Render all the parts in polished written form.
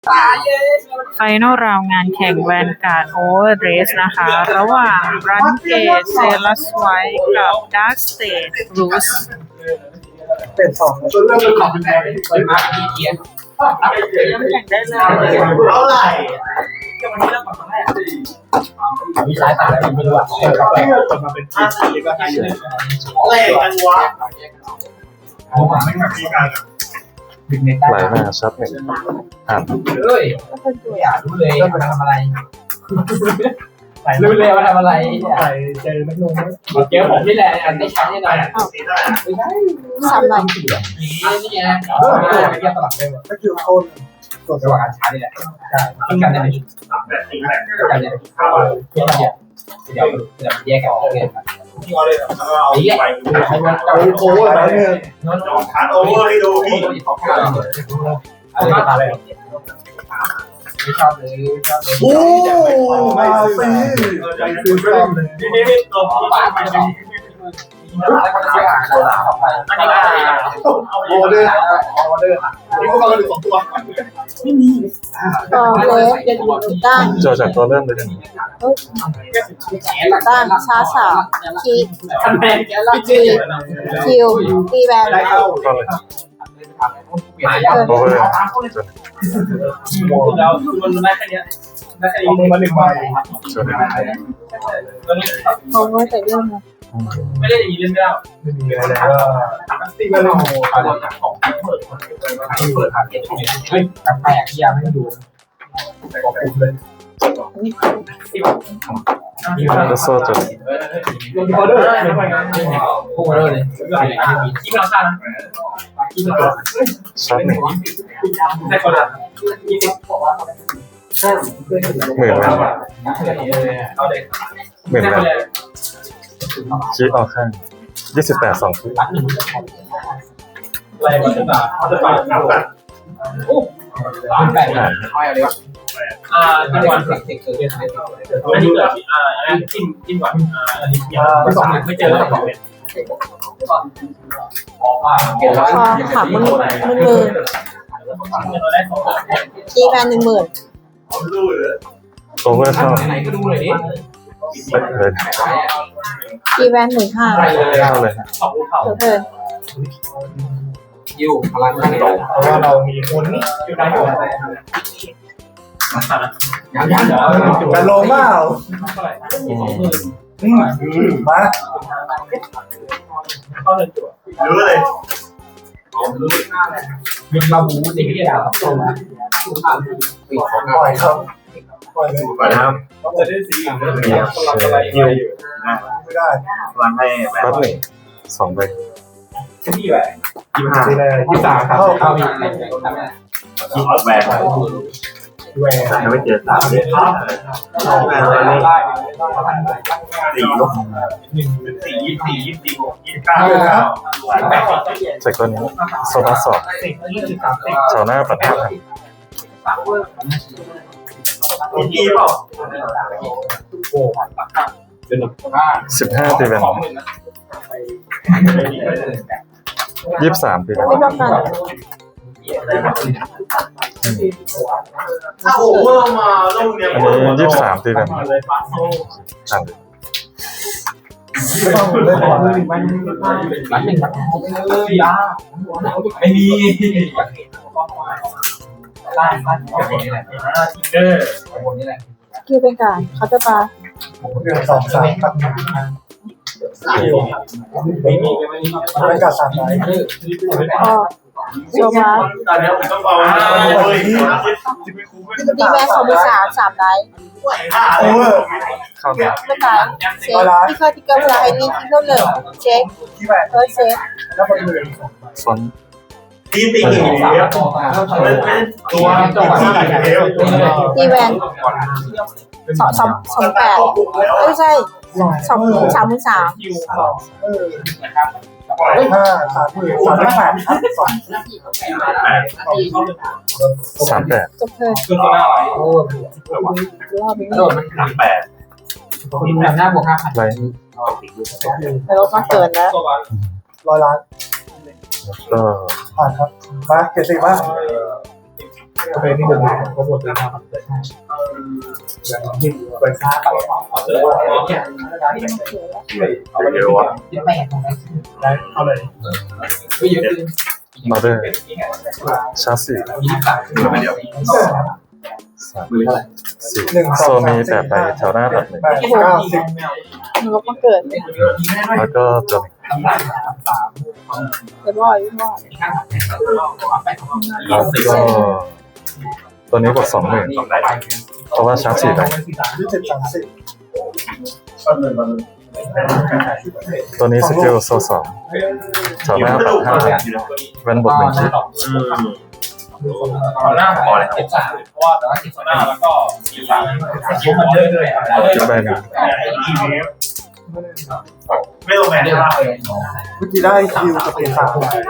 ไฟนอลราวงานแข่งแวนการ์ดโอเวอร์เดรสนะคะ ระหว่างรันเกตเซลัสไวท์กับดาร์คสเตทรูสเป็นสองจนเริ่มเป็นของเป็นแพงไปมากที่เกียร์เริ่มแข่งได้เลยเท่าไหร่มีสายตาอะไรไม่รู้อ่ะเปิดมาเป็นทีมเลยก็ให้เลยอะไรกันวะไม่มีการไหลมาชัดหนึ่งอ่านเฮ้ยอยากรู้เลยมาทำอะไรรู้เลยมาทำอะไรเจอนักลงเจอผมนี่แหละอันได้ใช้แน่นอนไม่ใช่สามหน่อยนี่ไงไม่เกี่ยวตลอดเลยก็คือคนตัวจังหวะการใช้นี่แหละใช่ทิ้งกันได้ไหมกันเนี่ยเดี๋ยวแยกกันเลยที่ว่าเลยเอาไปให้มันโอเวอร์ไปเลยฐานโอเวอร์ให้ดูพี่อะไรมาเลยไม่ชอบเลยโอ้ไม่ซื้อชอบเลยนี่ตัวป้าไปเลยออเดอร์นี่ก็มากันสองตัวไม่มีเล็กตั้งโจจากตัวเริ่มเลยกันตั้งชาสามคีคิวตีแวนก็เลยโอเวอร์จนแล้วคือมันได้แค่นี้ได้แค่นี้มาหนึ่งใบจนโอ้ยแต่เรื่องนะไม่ได้อย่างนี้เล่นไม่ได้ไม่มีอะไรแล้วตีกันเลยอะไรของเปิดหาเก็บเฮ้ยกาแฟที่ยังไม่ดูขอบคุณเลยก็โซ่จนออเดอร์พวกออเดอร์เลยที่เราสร้างที่มันตัวชัดหนึ่งได้คนละหมื่นแล้วเอาเลยหมื่นแล้วชี้ออกข้าง28 2ที่อะไรวะจะปานับกันโอ้แปดเอาอะไรวะจังหวะเด็กเกิดอันนี้เกิดอันนี้จิ้มก่อนอันนี้ไม่สองไม่เจอแล้วสองเป็นพอขับมือตีแวน10,000 โอเวอร์เท่าไหนก็ดูเลยดิเลยตีแวน15,000 เท่าเลยฮะเทิร์นอยู่พลังโตเพราะว่าเรามีคนอยู่ในหัวยังกันโลมามาเข้าเลยตัวรู้เลยมีมาบูสิ่งที่อยากทำปล่อยครับปล่อยเลยปล่อยครับจะได้สีอย่างนี้อะไรอยู่ไม่ได้วางให้รับหนึ่ง2ใบที่แบบ25 ครับเข้าอีกแหวนไม่เจอ3เลยครับแหวนเลย4ลบ1 4 24 24 29 จากตัวนี้โซบัสสอบแถวหน้าปัด5,000 กี่เปล่า 15ตีแวน23ตีแวนไม่ต้องการถ้าโอเวอร์มาลูกเนี้ยอันนี้23ตีแวนอ่านเลยไม่มีล่างนี่แหละนี่แหละคิวเป็นการเขาจะปา 2 3ไม่มีไม่กัด3ไหนพอโซบาตอนนี้ผมต้องเอาตีแวน23,000 3 ไลท์โอเวอร์เข้ามาไม่ตายเช็คที่เคยติ๊กเกอร์เวลาไอ้นี่ที่เขาเหลือเช็คเช็คฟอนตี1ตัวตีแวน28ไม่ใช่33,000 38 จบเทิร์นรอบนี้โดนมัน38มีแบบหน้าบวก 5,000 ไรแต่ลดมาเกินแล้ว 100 ล้านก็ผ่านครับมาเกษตรว่าไปนี่เดินก็หมดแล้วครับอย่างนี้ไปซ่าไปเนี่ยเยอะวะแม่ของได้เอาเลยไม่เยอะขึ้นออเดอร์ชาร์จสี่ 4โซมี8ใบแถวหน้าตัดหนึ่งหนูก็เกิดแล้วก็จบเกิดบ่อยบ่อยแล้วก็ตัวนี้กด20,000เพราะว่าชาร์จ4ใบตัวนี้สกิลโซ2แถวหน้าตัด5แวนบท1ทีหน้าพอเลย13เพราะว่าแต่ว่า13หน้าแล้วก็13คิวมันเยอะเลยเก็บใบหนึ่งไม่ลงแมนได้ป่ะเมื่อกี้ได้คิวกับเปลี่ยน3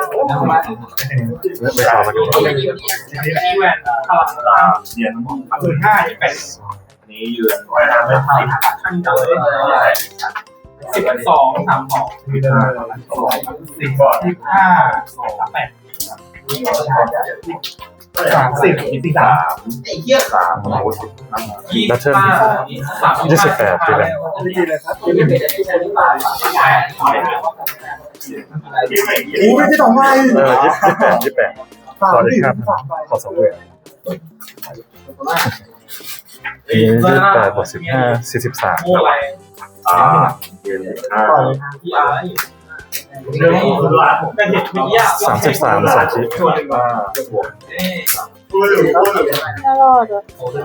ไม่เข้ามาดูที่แวนเรียน15ที่เป็นนี้ยืนไว้ทำไม่ทันขั้นต่ำเลย12 32มีเดิน10ก่อน15 8 30 ไอ้เหี้ย 3แล้วเทิร์น28ทีแรกโอ้ไม่ได้2ใบ 28ตอนนี้ครับขอ2เลย28บวก15 43 เรียน 33 2ชิ้นน่ารอดอ่ะ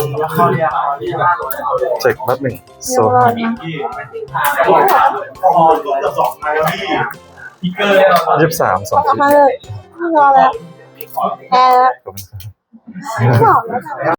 เช็คบัตหนึ่งโซน่ารอดนะ 23 2 เอาชิ้นมาเลยไม่รอแล้วแพ้แล้วขอบคุณครับไม่บอกแล้ว